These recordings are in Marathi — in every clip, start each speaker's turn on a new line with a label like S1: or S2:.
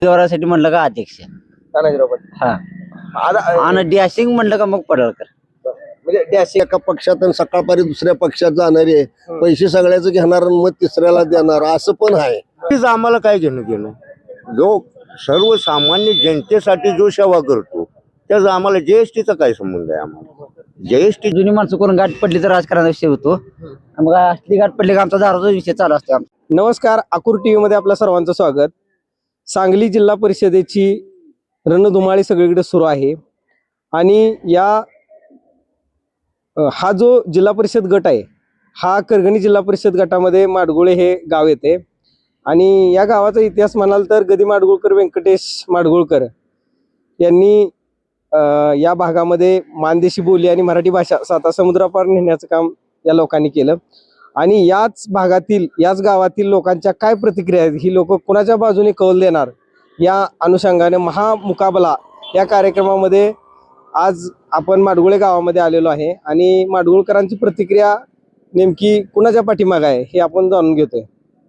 S1: उमेदवारासाठी म्हणलं का अध्यक्ष
S2: तानाजीराव पाटील.
S1: हा
S2: आता
S1: आणि डॅशिंग म्हणलं का मग पडळकर.
S2: म्हणजे डॅशिंग
S3: एका पक्षात आणि सकाळपारी दुसऱ्या पक्षात जाणारे पैसे सगळ्याच घेणार आणि मग तिसऱ्याला देणार असं पण आहे.
S4: तेच आम्हाला काय घेणं देणं. जो सर्वसामान्य जनतेसाठी जो सेवा करतो त्याचा आम्हाला जीएसटीचा काय संबंध आहे. आम्हाला जीएसटी
S1: जुनी माणसं कोण गाठ पडली तर राजकारणाचा विषय होतो. मग असली गाठ पडली का आमचा दारूचा विषय चालू असतो.
S2: नमस्कार, आकुर टीव्ही मध्ये आपल्या सर्वांचं स्वागत. सांगली जिल्हा परिषदेची रणधुमाळी सगळीकडे सुरू आहे आणि हा जो जिल्हा परिषद गट आहे हा करगणी जिल्हा परिषद गटामध्ये माडगुळे हे गाव येते आणि या गावाचा इतिहास म्हणाल तर गदी माडगुळकर व्यंकटेश माडगुळकर यांनी या भागामध्ये मानदेशी बोली आणि मराठी भाषा साता समुद्रापार नेण्याचं काम या लोकांनी केलं आणि याच भागातील याच गावातील लोकांच्या काय प्रतिक्रिया आहेत, ही लोक कुणाच्या बाजूने कौल देणार या अनुषंगाने महामुकाबला या कार्यक्रमामध्ये आज आपण माडगुळे गावामध्ये आलेलो आहे आणि माडगुळकरांची प्रतिक्रिया नेमकी कुणाच्या पाठीमागे आहे हे आपण जाणून घेतोय.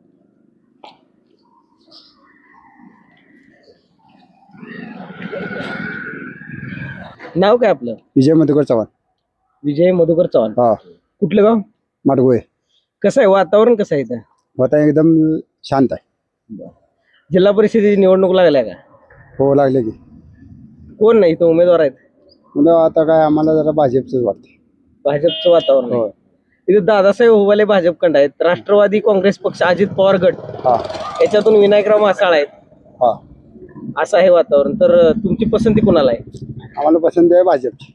S2: नाव काय आपलं?
S3: विजय मधुकर चव्हाण.
S2: विजय मधुकर चव्हाण.
S3: हा,
S2: कुठलं गाव?
S3: माडगुळे.
S2: कसं आहे वातावरण, कसं आहे इथं?
S3: होता एकदम शांत आहे.
S2: जिल्हा परिषदेची निवडणूक लागल्या का?
S3: हो लागले की.
S2: कोण नाही इथं उमेदवार आहेत?
S3: म्हणजे आता काय आम्हाला जरा भाजपच वाटते.
S2: भाजपचं वातावरण आहे. इथं दादासाहेब हुबाले भाजपकडे आहेत, राष्ट्रवादी काँग्रेस पक्ष अजित पवार गट
S3: हा
S2: याच्यातून विनायकराव मासाळ आहेत,
S3: हा,
S2: असं आहे वातावरण. तर तुमची पसंती कोणाला आहे?
S3: आम्हाला पसंत आहे भाजपची.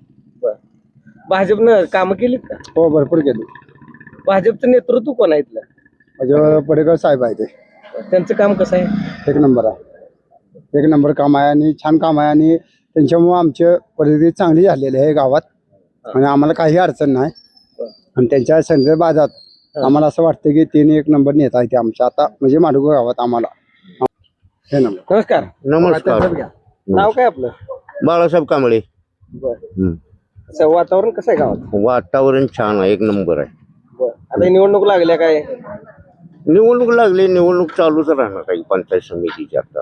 S2: भाजपनं कामं केलीत का?
S3: हो भरपूर केली.
S2: भाजपचं नेतृत्व कोण आहे इथलं?
S3: म्हणजे पडेकर साहेब आहे ते.
S2: त्यांचं काम कसं आहे?
S3: एक नंबर आहे. एक नंबर काम आहे आणि छान काम आहे आणि त्यांच्यामुळे आमची परिस्थिती चांगली झालेली आहे गावात आणि आम्हाला काही अडचण नाही. आणि त्यांच्या संदर्भात आम्हाला असं वाटतं की तिने एक नंबर नेता आहे ते आमच्या आता म्हणजे माडगुळे गावात आम्हाला हे नंबर.
S2: नमस्कार.
S4: नमस्कार.
S2: नाव काय आपलं?
S4: बाळासाहेब कांबळे.
S2: असं वातावरण कसं आहे गावात?
S4: वातावरण छान आहे, एक नंबर आहे.
S2: आता ही निवडणूक लागल्या काय?
S4: निवडणूक लागली, निवडणूक चालूच राहणार काही पंचायत समितीची. आता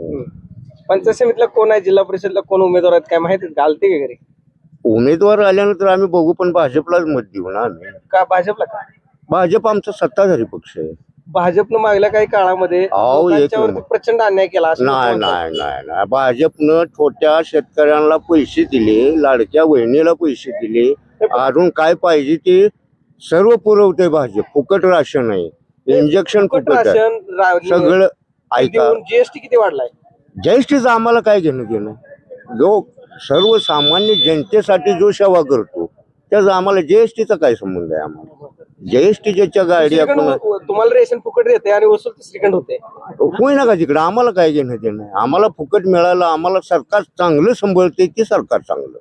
S2: पंचायत समितीला कोण आहे, जिल्हा परिषदला कोण उमेदवार आहेत काय माहिती? घालते का घरी?
S4: उमेदवार आल्यानंतर आम्ही बघू, पण भाजपलाच मत देऊ ना आम्ही.
S2: का भाजपला का?
S4: भाजप आमचा सत्ताधारी पक्ष आहे.
S2: भाजपनं मागल्या काही काळामध्ये
S4: अहो, एक
S2: लोकांच्यावरती
S4: नंबर.
S2: प्रचंड अन्याय केला असं
S4: नाही
S2: लोक म्हणतात.
S4: नाही नाही नाही, भाजपनं छोट्या शेतकऱ्यांना पैसे दिले, लाडक्या बहिणीला पैसे दिले, अजून काय पाहिजे ते सर्व पुरवते भाजप. फुकट राशन आहे, इंजेक्शन
S2: फुकट
S4: फुकट आहे,
S2: राशन
S4: सगळं. ऐका,
S2: जीएसटी किती वाढलाय?
S4: जीएसटीचं आम्हाला काय घेणं देणं. जो सर्वसामान्य जनतेसाठी जो सेवा करतो त्याचा आम्हाला जीएसटीचा काय संबंध आहे. आम्हाला जीएसटी ज्याच्या गाडी आपण
S2: तुम्हाला रेशन फुकट देते आणि वसूल तिसरीकडे होते.
S4: होईना का तिकडे, आम्हाला काय घेणं देणं. आम्हाला फुकट मिळालं, आम्हाला सरकार चांगलं सांभाळते ते सरकार चांगलं.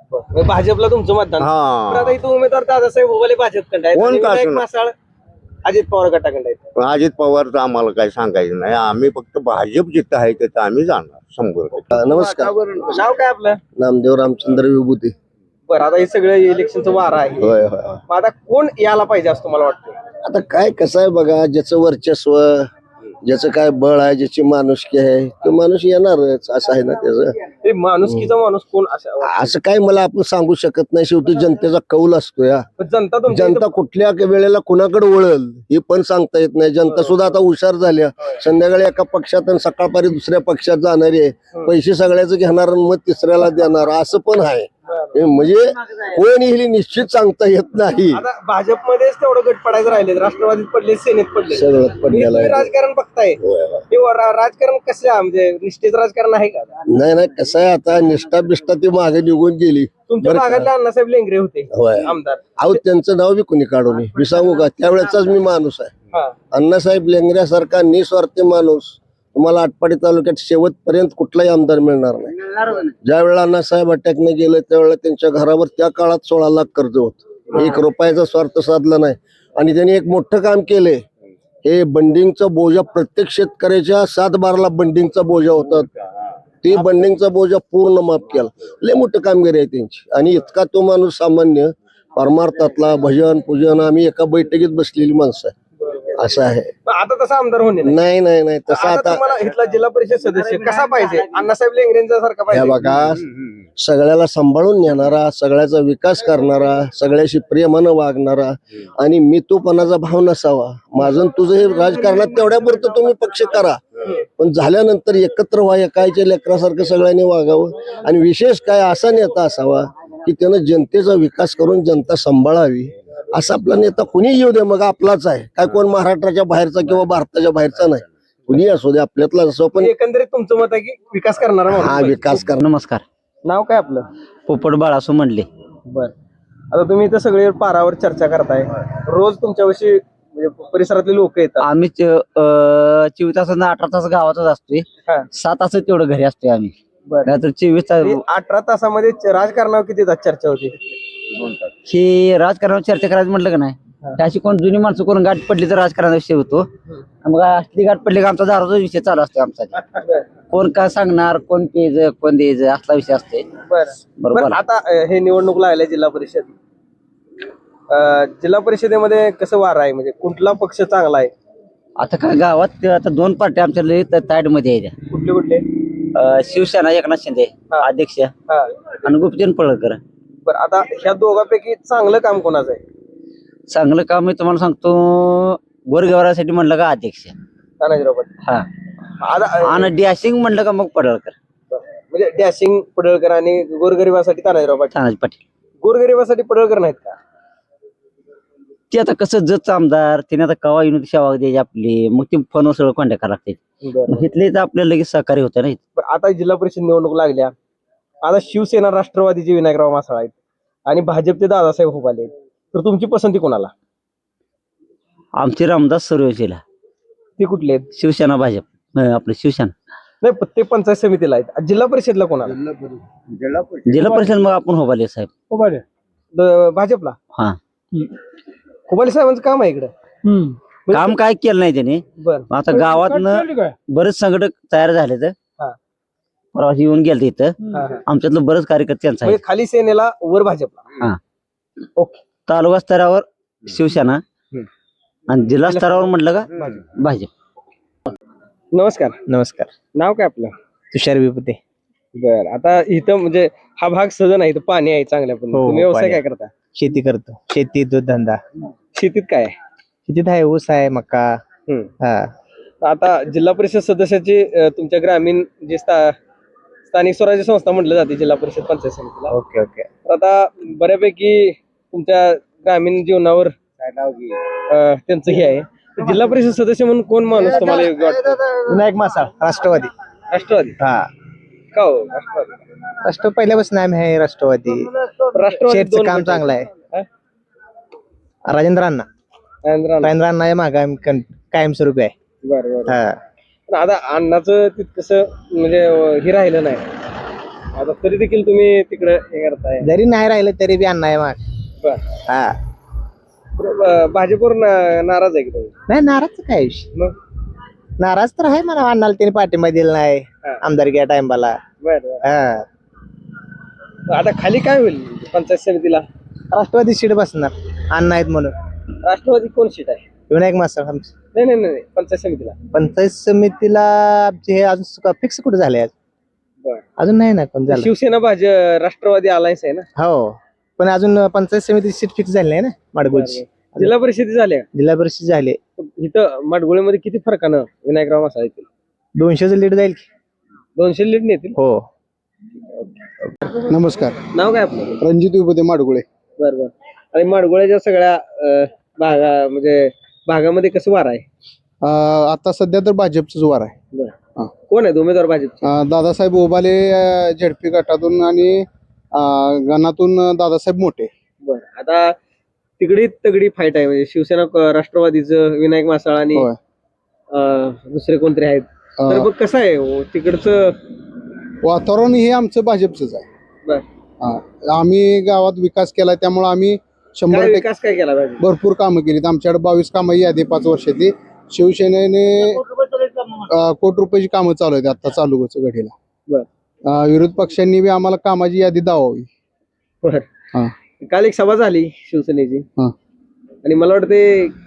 S2: भाजपला तुमचं मतदान.
S4: हा.
S2: पण आता इथं उमेदवार दादासाहेब हुबाले भाजपकडे आहेत
S4: कोण
S2: आणि
S4: का
S2: विनायक
S4: असणार?
S2: मासाळ अजित पवार गटाकडे आहेत.
S4: अजित पवारचं आम्हाला काय सांगायचं नाही. आम्ही फक्त भाजप जिथं आहे तिथं आम्ही जाणार 100%.
S3: नमस्कार.
S2: नाव काय आपलं?
S3: नामदेव रामचंद्र विभूती.
S2: बरं, आता हे सगळं इलेक्शनचं वार आहे.
S3: होय होय.
S2: मग आता कोण यायला पाहिजे असं तुम्हाला वाटतं?
S3: आता काय कसं आहे बघा, ज्याचं वर्चस्व, ज्याचं काय बळ आहे, ज्याची माणुसकी आहे तो माणूस येणारच असं आहे ना त्याचं.
S2: ते माणुसकीचा माणूस कोण
S3: असं काय मला आपण सांगू शकत नाही. शेवटी जनतेचा कौल असतो या.
S2: जनता तुमच्या
S3: जनता कुठल्या वेळेला कुणाकडे वळल हे पण सांगता येत नाही. जनता सुद्धा आता हुशार झाल्या. संध्याकाळी एका पक्षात आणि सकाळपारी दुसऱ्या पक्षात जाणारे पैसे सगळ्याच घेणार आणि मग तिसऱ्याला देणार असं पण आहे. म्हणजे कोण येईल निश्चित सांगता येत नाही.
S2: आता भाजपमध्येच तेवढं गट पडायचं राहिले, राष्ट्रवादीत पडले, सेनेत पडले,
S3: सगळं पडलेलं आहे.
S2: तुम्ही राजकारण बघताय. हे राजकारण कसं म्हणजे निष्ठेच राजकारण आहे का?
S3: नाही नाही, कसं आहे आता निष्ठा बिष्ठा ती मागे निघून गेली.
S2: तुमच्या भागातले अण्णासाहेब लेंगरे होते
S3: होय.
S2: आमदार.
S3: अहो त्यांचं नाव बी कोणी काढू नये. मी सांगू का, त्यावेळेचाच मी माणूस आहे.
S2: हा.
S3: अण्णासाहेब लेंगऱ्यासारखा निस्वार्थी माणूस तुम्हाला आटपाडी तालुक्यात शेवटपर्यंत कुठलाही आमदार मिळणार नाही. ज्या वेळेला अण्णासाहेब अटॅकने गेले त्यावेळेला त्यांच्या घरावर त्या काळात 16 लाख कर्ज होत. 1 रुपयाचा स्वार्थ साधला नाही आणि त्यांनी एक मोठं काम केले. हे बंडिंगचा बोजा प्रत्येक शेतकऱ्याच्या 7-12 बंडिंगचा बोजा होता. ते बंडिंगचा बोजा पूर्ण माफ केला. लय मोठं कामगिरी आहे त्यांची. आणि इतका तो माणूस सामान्य परमार्थातला भजन पूजन आम्ही एका बैठकीत बसलेली माणसं आहे. असं आहे.
S2: पण आता तसा आमदार होणे नाही.
S3: नाही नाही नाही तसं
S2: आता
S3: आता
S2: तुम्हाला इथला जिल्हा परिषद सदस्य कसा पाहिजे? अण्णासाहेब लेंगरेंचा सारखा
S3: हे
S2: पाहिजे?
S3: बघा सगळ्याला सांभाळून नेणारा, सगळ्याचा विकास करणारा, सगळ्याशी प्रेमानं वागणारा आणि मी तूपणाचा भाव नसावा. माझं आणि तुझं हे राजकारणात तेवढ्यापुरतं तुम्ही पक्ष करा, पण झाल्यानंतर एकत्र व्हा, एकाच्या लेकरासारखं सगळ्यांनी वागावं. आणि विशेष काय असा नेता असावा की त्यानं जनतेचा विकास करून जनता सांभाळावी. असा आपला नेता कुणी येऊ दे, मग आपलाच आहे. काय कोण महाराष्ट्राच्या बाहेरचा किंवा भारताच्या बाहेरचा नाही, कुणी असू दे आपल्यातला असो. पण
S2: एकंदरीत तुमचं मत आहे की विकास करणारा माणूस
S3: हा
S2: पाहिजे.
S3: विकास कर.
S1: नमस्कार.
S2: नाव काय आपलं?
S1: पोपट बाळासो म्हणले.
S2: बर. आता तुम्ही इथं सगळे पारावर चर्चा करताय, रोज तुमच्याविषयी म्हणजे परिसरातले लोक येतात.
S1: आम्ही 24 तास 18 तास गावातच असतोय.
S2: हा.
S1: 7 तास तेवढं घरी असतोय आम्ही.
S2: बर.
S1: नाहीतर 24 तास
S2: 18 तासामध्ये राजकारणावर किती तास चर्चा होती?
S1: हे राजकारणावर चर्चा करायचं म्हटलं का नाही, तर अशी कोण जुनी माणसं करून गाठ पडली तर राजकारणाचा विषय होतो. मग असली गाठ पडली का आमचा दारूचा विषय चालू असतो आमचा. कोण काय सांगणार, कोण प्यायचं, कोण द्यायचं, असला विषय असते.
S2: बर.
S1: बरोबर.
S2: बरं, आता हे निवडणूक लागल्या जिल्हा परिषद. जिल्हा परिषदेमध्ये कसं वार आहे, म्हणजे कुठला पक्ष चांगला आहे?
S1: आता काय गावात आता 2 पार्ट्या आमच्या ताईड मध्ये आहेत.
S2: कुठले कुठले?
S1: शिवसेना एकनाथ शिंदे अध्यक्ष
S2: हा.
S1: आणि गुप्तजन पळकर.
S2: बरं, आता ह्या दोघांपैकी चांगलं काम कोणाचं आहे?
S1: चांगलं काम मी तुम्हाला सांगतो, गोरगवरासाठी म्हणलं का अध्यक्ष.
S2: तानाजीराव पाटील.
S1: हा.
S2: आता
S1: आणि डॅशिंग म्हणलं का मग पडळकर.
S2: म्हणजे डॅशिंग पडळकर आणि गोरगरिबासाठी तानाजीराव पाटील.
S1: तानाजी पाटील.
S2: गोरगरिबासाठी पडळकर नाहीत का?
S1: ते आता कसं जत आमदार त्याने आता कवा येऊन सेवा द्यायची आपली, मग ते फोनवर सगळं कॉन्टॅक्ट करावं लागते.
S2: बरं.
S1: इथले तर आपल्याला लगेच सहकार्य होतं नाही.
S2: आता जिल्हा परिषद निवडणूक लागल्या, आता शिवसेना राष्ट्रवादीचे विनायकराव मासाळ आहेत आणि भाजपचे दादासाहेब हुबाले आहेत, तर तुमची पसंती कोणाला?
S1: आमचे रामदास सर्वेशीला.
S2: ते कुठले आहेत?
S1: शिवसेना भाजप आपलं शिवसेना.
S2: नाही, ते पंचायत समितीला आहेत. जिल्हा परिषदला कोणाला?
S1: जिल्हा परिषद मग आपण होबाले साहेब.
S2: हुबाले. भाजपला.
S1: हा.
S2: हुबाले साहेबांचं काम आहे इकडं.
S1: काम काय केलं नाही त्याने.
S2: बरं.
S1: आता गावातनं बरेच संघटक तयार झाले तर
S2: हा.
S1: परवा येऊन गेले इथं.
S2: हा, हा.
S1: आमच्यातलं बरेच कार्यकर्ते त्यांचा आहे.
S2: म्हणजे खाली सेनेला वर भाजपला.
S1: हा.
S2: ओके.
S1: तालुका स्तरावर शिवसेना आणि जिल्हा स्तरावर म्हटलं का भाजप.
S2: नमस्कार.
S5: नमस्कार.
S2: नाव काय आपलं?
S5: तुषार विपुते.
S2: बर. आता इथं म्हणजे हा भाग सजन आहे, इथं पाणी आहे चांगल्या पण.
S5: हो,
S2: तुम्ही व्यवसाय
S5: पाणी
S2: काय
S5: आहे.
S2: करता?
S5: शेती करतो. शेती, दूध धंदा.
S2: शेतीत काय आहे?
S5: शेतीत आहे ऊस आहे, मका.
S2: हम्म.
S5: हा.
S2: आता जिल्हा परिषद सदस्याची तुमच्या ग्रामीण जे स्थानिक स्वराज्य संस्था म्हटलं जाते जिल्हा परिषद पंचायत समितीला.
S5: Okay okay.
S2: तर आता बऱ्यापैकी तुमच्या ग्रामीण जीवनावर त्यांचं हे आहे. तर जिल्हा परिषद सदस्य म्हणून कोण माणूस तुम्हाला योग्य वाटतो?
S5: विनायक मासाळ, राष्ट्रवादी.
S2: राष्ट्रवादी.
S5: हा.
S2: का हो राष्ट्रवादी?
S5: राष्ट्र पहिल्यापासून आम्ही आहे राष्ट्रवादी.
S2: राष्ट्रवादी
S5: शेतचं
S2: दोन
S5: काम
S2: गट
S5: चांगलं
S2: आहेत.
S5: आहे. राजेंद्र अण्णा. राजेंद्र अण्णा आहे मागे आम्ही कायमस्वरूपी आहे.
S2: बरं बरं.
S5: हा.
S2: पण आता अण्णाचं तितकंसं म्हणजे हे राहिलं नाही. आता तरी देखील तुम्ही तिकडे हे करताय.
S5: जरी नाही राहिलं तरी बी अण्णा आहे माग.
S2: बर.
S5: हा.
S2: भाजपवर नाराज आहे की तुम्ही?
S5: नाही, नाराज काय विषय.
S2: मग
S5: नाराज तर आहे मला, अण्णाला त्याने पाठिंबा दिला नाही
S2: हा.
S5: आमदारकी या टाइमला.
S2: बरं.
S5: हा.
S2: आता खाली काय होईल पंचायत समितीला?
S5: राष्ट्रवादी सीट बसणार अण्णा आहेत म्हणून.
S2: राष्ट्रवादी कोण सीट आहे?
S5: विनायक मासाळ आमचं.
S2: नाही नाही नाही पंचायत समितीला.
S5: पंचायत समितीला आमचे हे अजून फिक्स कुठे झाले आज?
S2: बर.
S5: अजून नाही ना कोण झालं.
S2: शिवसेना राष्ट्रवादी अलायन्स आहे ना?
S5: हो, पण अजून पंचायत समिती सीट फिक्स झाली नाही ना माडगुळची.
S2: जिल्हा परिषद झाल्या.
S5: जिल्हा परिषद झाले.
S2: इथं माडगुळेमध्ये किती फरकानं विनायकराव मासाळ येतील?
S5: 200चं लीड जाईल की.
S2: 200 लीड नेतील.
S5: हो.
S6: नमस्कार.
S2: नाव काय आपलं?
S6: रणजित विपुते माडगुळे.
S2: बर बर. आणि माडगुळ्याच्या सगळ्या म्हणजे भागामध्ये कसं वार आहे?
S6: आता सध्या तर भाजपच वार आहे.
S2: बरं. कोण आहे उमेदवार भाजप?
S6: दादासाहेब ओबाले झेडपी गटातून आणि गणातून दादासाहेब मोठे.
S2: बर. आता तिकडे तगडी फाईट आहे, म्हणजे शिवसेना राष्ट्रवादीचं विनायक मासाळ आणि
S6: होय.
S2: दुसरे कोणतरी आहेत. तर मग कसं आहे हो तिकडचं
S6: वातावरण हे आमचं भाजपच आहे.
S2: बर.
S6: आम्ही गावात विकास केला, त्यामुळे आम्ही
S2: काय
S6: 100%
S2: विकास काय केला पाहिजे?
S6: भरपूर कामं केलीत. आमच्याकडे 22 कामं यादी 5 वर्षातली. शिवसेनेने कोटी रुपयाची कामं चालू आहेत आता चालू घडीला.
S2: बर.
S6: विरोध पक्षांनी बी आम्हाला कामाची यादी दावावी.
S2: बर.
S6: हा.
S2: काल एक सभा झाली शिवसेनेची
S6: हा.
S2: आणि मला वाटते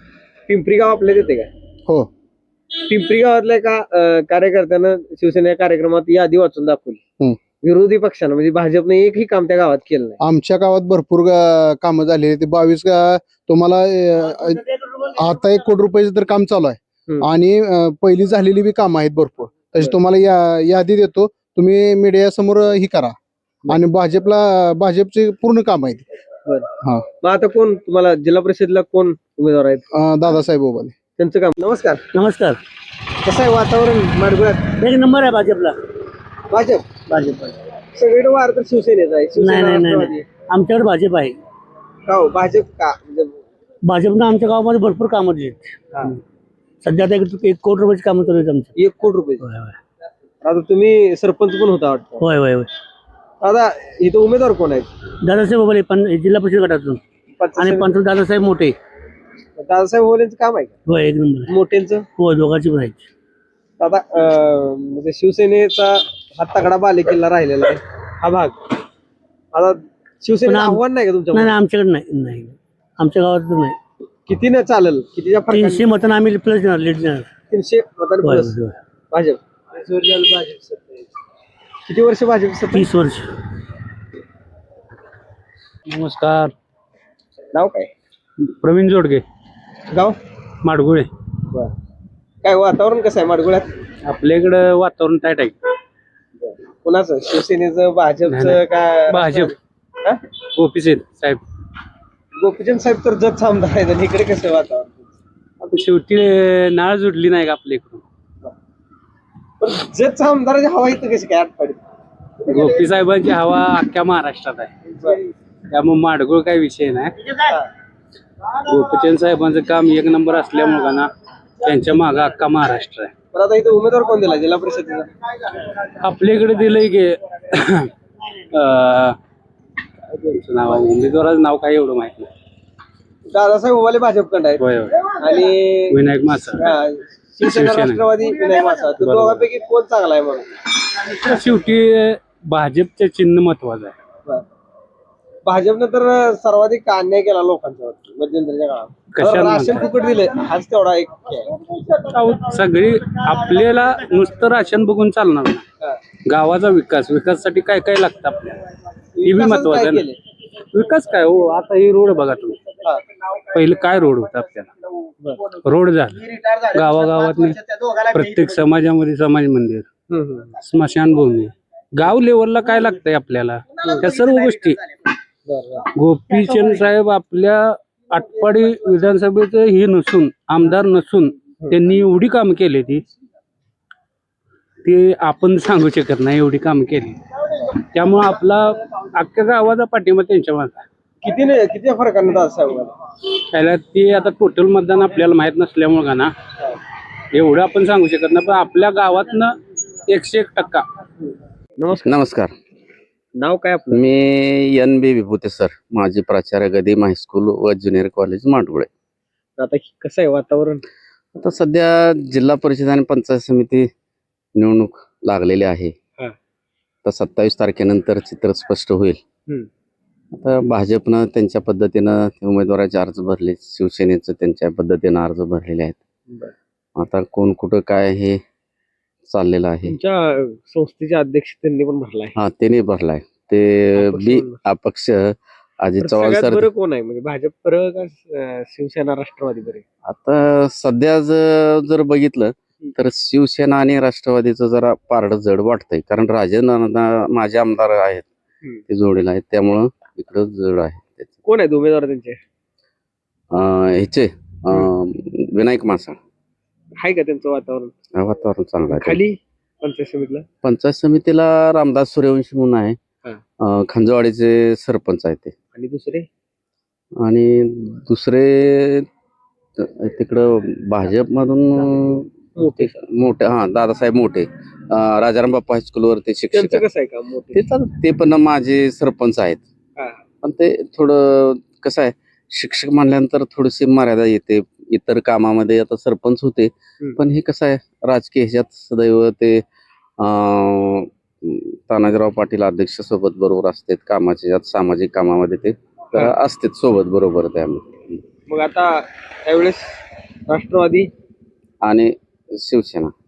S2: पिंपरी गाव आपल्यात येते का?
S6: हो.
S2: पिंपरी गावातल्या एका कार्यकर्त्यानं शिवसेना कार्यक्रमात यादी वाचून दाखवली. विरोधी पक्षानं म्हणजे भाजपने एकही काम त्या गावात केलं नाही.
S6: आमच्या गावात भरपूर कामं झाली ते 22 तुम्हाला आता 1 कोटी रुपयाचं तर काम चालू आहे आणि पहिली झालेली बी कामं आहेत भरपूर. तशी तुम्हाला यादी देतो, तुम्ही मीडिया समोर ही करा आणि भाजपचे पूर्ण काम आहेत. हा.
S2: मग आता कोण तुम्हाला जिल्हा परिषदला कोण उमेदवार आहेत?
S6: दादासाहेब ओबाले.
S2: त्यांचं काम. नमस्कार.
S1: नमस्कार.
S2: कसं आहे वातावरण माडगुळ्यात?
S1: एक नंबर आहे भाजपला.
S2: भाजप
S1: भाजप
S2: सगळीकडे वार तर शिवसेनेचा आहे. शिवसेना
S1: नाही
S2: राष्ट्रवादी.
S1: आमच्याकडे भाजप आहे.
S2: का हो भाजप का म्हणजे
S1: भाजपनं आमच्या गावामध्ये भरपूर कामं दिली. सध्या आता 1 कोटी रुपयाची कामं चालू आहेत आमची.
S2: 1 कोटी रुपये.
S1: होय होय
S2: आता तुम्ही सरपंच पण होता वाटतं.
S1: होय होय होय.
S2: आता इथं उमेदवार कोण आहेत?
S1: दादासाहेब ओबाले जिल्हा परिषद गटातून आणि पंच दादासाहेब मोठे.
S2: दादासाहेब ओलेंचं काम आहे का?
S1: होय एक नंबर आहे.
S2: मोठ्यांचं?
S1: हो दोघांची पण आहे.
S2: आता म्हणजे शिवसेनेचा हा तगडा बालेकिल्ला राहिलेला आहे हा भाग. आता शिवसेनेचं आव्हान नाही का तुमच्या?
S1: नाही आमच्याकडे नाही आमच्या गावात तर नाही.
S2: किती न चालेल? कितीच्या फरक?
S1: 300 मतं आम्ही प्लस देणार लीड देणार.
S2: 300 मतांनी
S1: होय,
S2: प्लस
S1: होय.
S2: भाजप. किती वर्ष भाजप सत्तेत?
S1: 30 वर्ष. नमस्कार.
S2: नाव काय?
S1: प्रवीण जोडगे,
S2: गाव?
S1: माडगुळे.
S2: काय वातावरण कसं आहे माडगुळ्यात?
S1: आपल्या इकडं वातावरण टाईट आहे.
S2: कुणाचं? शिवसेनेचं, भाजपचं का?
S1: भाजप.
S2: हा?
S1: गोपीचंद साहेब.
S2: गोपीचंद साहेब तर जत आमदार आहेत आणि इकडे कसं आहे वातावरण?
S1: आता शेवटी नाळ जुडली नाही का आपल्या इकडून.
S2: पण जत आमदाराची हवा इथं कशी काय आटपाडीत?
S1: गोपी साहेबांची हवा अख्ख्या महाराष्ट्रात आहे. त्यामुळे माडगुळ काही विषय नाही. गोपीचंद साहेबांचं काम 1 नंबर असल्यामुळे ना त्यांच्या मागे अख्खा महाराष्ट्र आहे.
S2: पण आता इथं उमेदवार कोण दिला जिल्हा परिषदेला?
S1: आपल्याकडे दिलंय की त्यांचं नाव उमेदवाराचं नाव काय एवढं माहित नाही.
S2: दादासाहेब ओवाले भाजपकडे आहेत
S1: होय होय.
S2: आणि
S1: विनायक मासा
S2: शिवसेना राष्ट्रवादी विनायक मासा. तर दोघांपैकी कोण चांगला आहे म्हणून?
S1: शेवटी भाजपचं चिन्ह महत्वाचं आहे.
S2: भाजपनं तर सर्वाधिक अन्याय केला लोकांच्या मध्यंतरीच्या काळात.
S1: कशाला
S2: राशन
S1: म्हणताय?
S2: फुकट दिले हाच तेवढा एक आहे.
S1: सगळी आपल्याला नुसतं राशन बघून चालणार नाही. गावाचा विकासासाठी काय काय लागतं आपल्याला हे बी महत्वाचं आहे ना. विकास काय हो, आता ही रोड बघा तुम्ही. पहिले काय रोड होता आपल्याला, रोड झाला गावागावात प्रत्येक समाजामध्ये समाज मंदिर, स्मशानभूमी, गाव लेवलला काय लागतंय आपल्याला त्या सर्व गोष्टी. गोपीचंद साहेब आपल्या आटपाडी विधानसभेचं हे नसून आमदार नसून त्यांनी एवढी कामं केली ती आपण सांगू शकत नाही. एवढी कामं केली त्यामुळे आपला अख्ख्या गावाचा पाठिंबा त्यांच्या मागे.
S2: किती फरकानं दादासाहेब
S1: त्याला ते आता टोटल मतदान आपल्याला माहित नसल्यामुळे का ना एवढं आपण सांगू शकत नाही. पण आपल्या गावातनं 101%.
S7: नमस्कार.
S2: नाव काय आपलं?
S7: मी NB विभूते सर, माजी प्राचार्य गदिम हायस्कूल व ज्युनियर कॉलेज माडगुळे.
S2: आता कसं आहे वातावरण?
S7: आता सध्या जिल्हा परिषद आणि पंचायत समिती निवडणूक लागलेली आहे. तर 27 तारखेनंतर चित्र स्पष्ट होईल. आता भाजपनं त्यांच्या पद्धतीनं उमेदवाराचे अर्ज भरले, शिवसेनेचं त्यांच्या पद्धतीनं अर्ज भरलेले आहेत. आता कोण कुठं काय हे चाललेलं आहे.
S2: तुमच्या संस्थेचे अध्यक्ष त्यांनी पण भरलाय.
S7: हा, त्यांनी भरलाय. ते बी अपक्ष अजित चव्हाण
S2: सगळ्यात
S7: सर.
S2: बरं कोण आहे म्हणजे भाजप बरं का शिवसेना राष्ट्रवादी बरे?
S7: आता सध्या जर बघितलं तर शिवसेना आणि राष्ट्रवादीचं जरा पारडं जड वाटतंय, कारण राजेंद्र माझे आमदार आहेत ते जोडीला आहेत, त्यामुळं इकडं जड आहे.
S2: कोण आहेत उमेदवार त्यांचे?
S7: ह्याचे विनायक मासा.
S2: आहे का त्यांचं वातावरण?
S7: वातावरण चांगलं आहे.
S2: खाली पंचायत समितीला?
S7: पंचायत समितीला रामदास सूर्यवंशी म्हणून आहे, खंजवाडीचे सरपंच आहेत ते.
S2: आणि दुसरे?
S7: आणि दुसरे तिकडं भाजपमधून मोठे दादासाहेब मोठे, राजाराम बाप्पा हायस्कूलवर ते शिक्षक.
S2: कसं आहे का?
S7: ते पण माझे सरपंच आहेत. पण ते थोडं कसं आहे, शिक्षक म्हणल्यानंतर थोडीशी मर्यादा येते. इतर कामामध्ये आता सरपंच होते, पण हे कसं आहे राजकीय ह्याच्यात सदैव ते तानाजीराव पाटील अध्यक्ष सोबत बरोबर असतात कामाच्या सामाजिक कामामध्ये ते असतात सोबत बरोबर त्यामध्ये.
S2: मग आता त्यावेळेस राष्ट्रवादी
S7: आणि शिवसेना